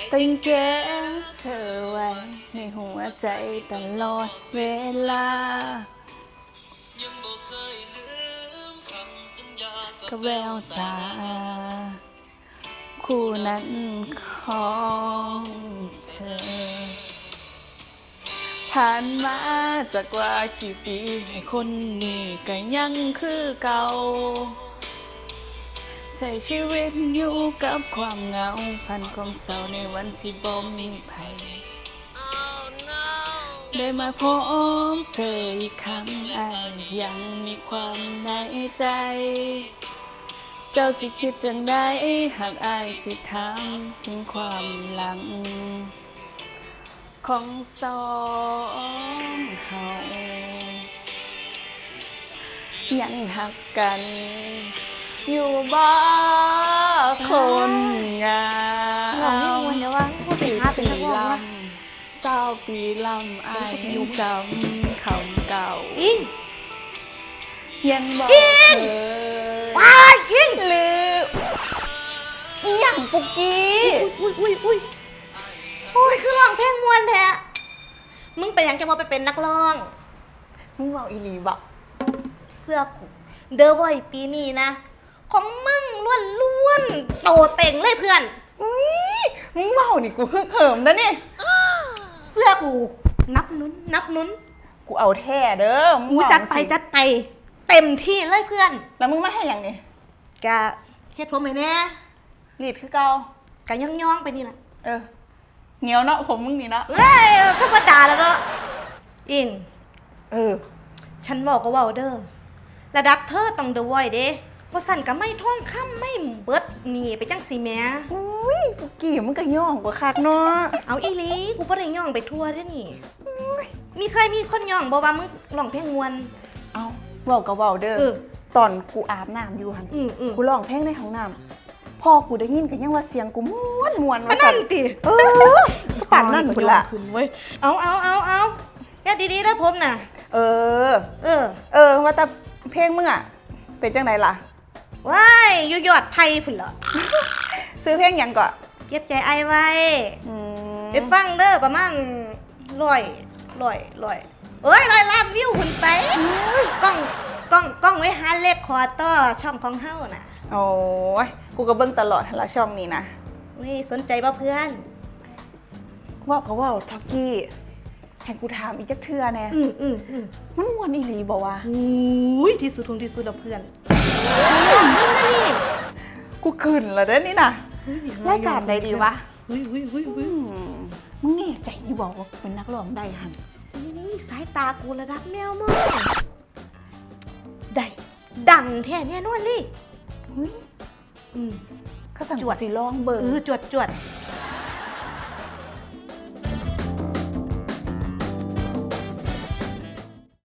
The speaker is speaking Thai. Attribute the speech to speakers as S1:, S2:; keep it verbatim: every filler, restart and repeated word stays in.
S1: ก็ยังเก็บเธอไว้ในหัวใจตลอดเวลากับแววตาคู่นั้นของเธอผ่านมาจากว่ากี่ปีให้คนนี้ก็ยังคือเก่าใช้ชีวิตอยู่กับความเหงาพันความเศร้าในวันที่บ่มีใคร oh, no. ได้มาพบเธออีกครั้งอายยังมีความในใจเจ้าสิคิดจังใดหากอายสิถามถึงความหลังของสองเฮายังหักกันอยู่บ้าคนงาม
S2: เราไม่วนเดี๋ยวว่าพูดถึงภาพเป็นนักร้องว่า
S1: เศร้าปีลำอายจำคำเก่า
S2: อิง
S1: ยังบอกเธอ
S2: ว้ายอิง
S1: ลืมอีหยังปุกกี้
S2: อุ้ยอุ้ยอุ้ยโอ้ยคือร้องเพลงมวนแท้มึงเป็นยังจะมาไปเป็นนักร้อง
S1: มึงบอกอีหลีบอก
S2: เสื้อกูเดอะไวท์ปีนี้นะของมึงล้วนล้วนโตเต่งเลยเพื่อน
S1: อุ้ยมึงเมานี่กูเขิมนะนี่
S2: เสื้อกูนับนุ้นนับนุ้น
S1: กูเอาแท้เด้อ
S2: มึงจัดไปจัดไปเต็มที่เลยเพื่อน
S1: แล้วมึงมาให้อย่างนี้
S2: กะเฮ็ดผมไหมแน่
S1: รีดคือเก่าก
S2: ะย่องย่องไปนี่แหละ
S1: เออเหนียวเนาะผมมึงนี่เนาะ
S2: เอ้ยธรรมดาแล้วเนาะอิง
S1: เออ
S2: ฉันบอกก็ว่าเด้อระดับเธอต้องเดอะไวท์เด้บ่สั่นก็ไม่ท่องค่ำไม่เบิดหนีไปจังสีแม่
S1: อุ้ยกูกี่มึงก็ย่องกว่าคักเนาะ
S2: เอาอีหลีกูบ่ได้ย่องไปทั่วเด้อนี่มีเคยมีคนย่องบ่ว่ามึงร้องเพลงม่วน
S1: เอาเว้าก็เว้าเด้อตอนกูอาบน้ำอยู่หั่นกูร้องเพลงในห้องน้ำพ่อกูได้ยินก็ยังว่าเสียงกูม่วนม่วนว่า
S2: ซั่นติ
S1: เออปั่นนั่นพุ่นล่ะ
S2: ขึ้นเว้ยเอาเอาเอาเอาแค่ดีๆเด้อผมน่ะ
S1: เออ
S2: เออ
S1: เออว่าแต่เพลงมึงอ่ะเป็นจังไดล่ะ
S2: ว้ายอยู่ยอดไผ่พุ่นเหรอ
S1: ซื้อเพลงหยังก่อน
S2: เก็บใจไอไว้ไปฟังเด้อประมาณร้อยร้อยร้อยเอ้ยร้อยล้านวิวหุ่นไปกล้องกล้องกล้องไว้หาเลขคอต่อช่องของเฮาน่ะ
S1: โอ้ยกูก็เบิ่งตลอดละช่องนี้นะ
S2: นี่สนใจป่ะเพื่อน
S1: ว่าก็ว่าทักกี้ให้กูถามอีกจักเทื่อแน่
S2: อืออืออือ
S1: มันม่วนอีหลีบ่วะ
S2: อุ้ยที่สุดของที่สุดแล้วเพื่อนมึงนะนี่
S1: กูขึ้นแล้วเด้อนี่น่ะรายการใดดีวะ
S2: เฮ้ยเฮ้ยเฮ้ยเฮ้ย
S1: มึงแน่ใจอยู่บอกว่าเป็นนักร้องได้หั่น
S2: นี่สายตากูระดับแมวมึงได้ดังแท้แน่นอนเลย
S1: เฮ้ย
S2: อืม
S1: เขาสั่งจวดสิร้องเบอร์
S2: เออจวดจวด